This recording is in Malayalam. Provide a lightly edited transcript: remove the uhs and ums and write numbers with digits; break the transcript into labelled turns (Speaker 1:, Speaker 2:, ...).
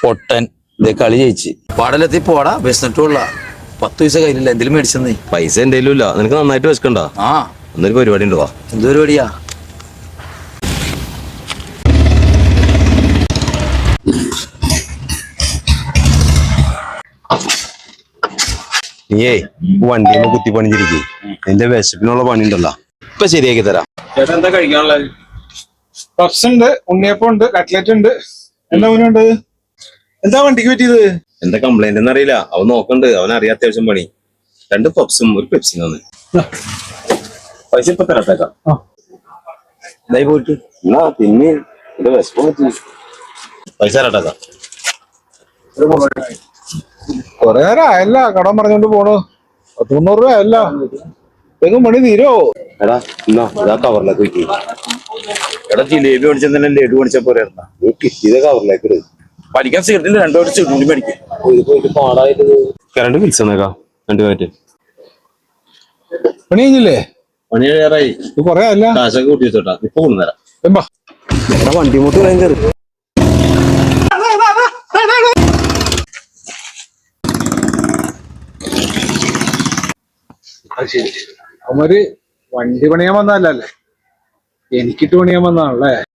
Speaker 1: പൊട്ടൻ ഇതേ കളി ജയിച്ച് പാടലെത്തി പോടാ വിശന്നിട്ടുള്ള 10 പൈസ കയ്യിലില്ല എന്തെങ്കിലും മേടിച്ചെന്നേ.
Speaker 2: പൈസ എന്തെങ്കിലും ഇല്ല. നിനക്ക് നന്നായിട്ട് വിശക്കണ്ട.
Speaker 1: ആ
Speaker 2: എന്നൊരു പരിപാടി ഉണ്ട്. വാ.
Speaker 1: എന്ത് പരിപാടിയാ?
Speaker 2: നീയേ വണ്ടിയിൽ കുത്തി പണിഞ്ഞിരിക്കും. എന്റെ വിശപ്പിനുള്ള പണി ഉണ്ടല്ലോ, ഇപ്പൊ ശരിയാക്കി തരാം.
Speaker 3: ചേട്ടാ എന്താ കഴിക്കാനുള്ളത്? പപ്സ് ഉണ്ട്, ഉണ്ണിയപ്പം ഉണ്ട്, കട്ട്ലറ്റ് ഉണ്ട്. എന്താ മുന്നുണ്ട്? എന്താ വണ്ടിക്ക് പറ്റിയത്?
Speaker 2: എന്താ കംപ്ലൈന്റ് എന്ന് അറിയില്ല. അവൻ നോക്കണ്ട്. അവൻ അറിയാം അത്യാവശ്യം പണി. 2 പപ്സും ഒരു പെപ്സി തന്നെ. പൈസ ഇപ്പൊ തരട്ടേക്കാം. ഇതായി പോയിട്ട് പിന്നെ പൈസ തരട്ടേക്കാം.
Speaker 3: കൊറേ നേരം ആയല്ല കടം പറഞ്ഞോണ്ട് പോണു. 300 രൂപ അല്ല എങ്ങും പണി തീരോ?
Speaker 2: എടാ എന്നാ ഇതാ കവറിലേക്ക് വെക്കി. എടാ ജിലേബി മേടിച്ചാൽ തന്നെ ലഡു മേടിച്ചാൽ പോരെ? നീ കിട്ടിയത് കവറിലേക്ക് ഇട്.
Speaker 1: പഠിക്കാൻ സീറ്റിൽ 2 ചുരുണ്ടി മേടിക്കും.
Speaker 2: ഇത് പോയിട്ട് പാടായിട്ട് കറണ്ട് ബിൽസ് തന്നേക്കാം. 2 പാറ്റ്
Speaker 3: പണി കഴിഞ്ഞില്ലേ?
Speaker 2: പണി കഴിയാറായി.
Speaker 3: ഇത് കൊറേ അല്ല
Speaker 2: കാശൊക്കെ കൂട്ടി വെച്ചോട്ടാ. ഇപ്പൊ കൊണ്ടുതരാം.
Speaker 3: വണ്ടി മുട്ട് ഭയങ്കര അവര് വണ്ടി പണിയാൻ വന്നതല്ലേ, എനിക്കിട്ട് പണിയാൻ വന്നതാണല്ലേ.